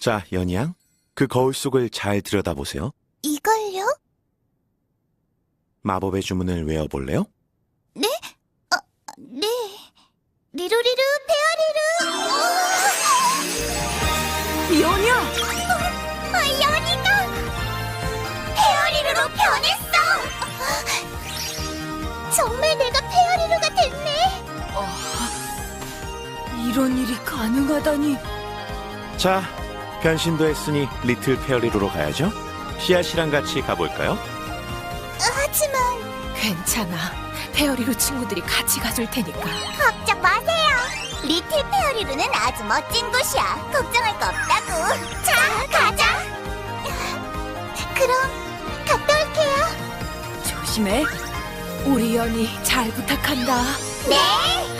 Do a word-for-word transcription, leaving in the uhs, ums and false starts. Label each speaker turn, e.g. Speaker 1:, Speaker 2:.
Speaker 1: 자, 연희양, 그 거울 속을 잘 들여다보세요.
Speaker 2: 이걸요?
Speaker 1: 마법의 주문을 외워볼래요?
Speaker 2: 네? 어, 네. 리루리루 페어리루.
Speaker 3: 연희야!
Speaker 2: 아, 연희가 페어리루로 변했어. 정말 내가 페어리루가 됐네.
Speaker 3: 이런 일이 가능하다니.
Speaker 1: 자, 변신도 했으니 리틀 페어리로로 가야죠. 씨앗이랑 같이 가볼까요?
Speaker 2: 하지만
Speaker 3: 괜찮아. 페어리로 친구들이 같이 가줄 테니까.
Speaker 2: 걱정 마세요. 리틀 페어리루는 아주 멋진 곳이야. 걱정할 거 없다고. 자, 가자. 그럼 갔다 올게요.
Speaker 3: 조심해. 우리 연희 잘 부탁한다.
Speaker 2: 네.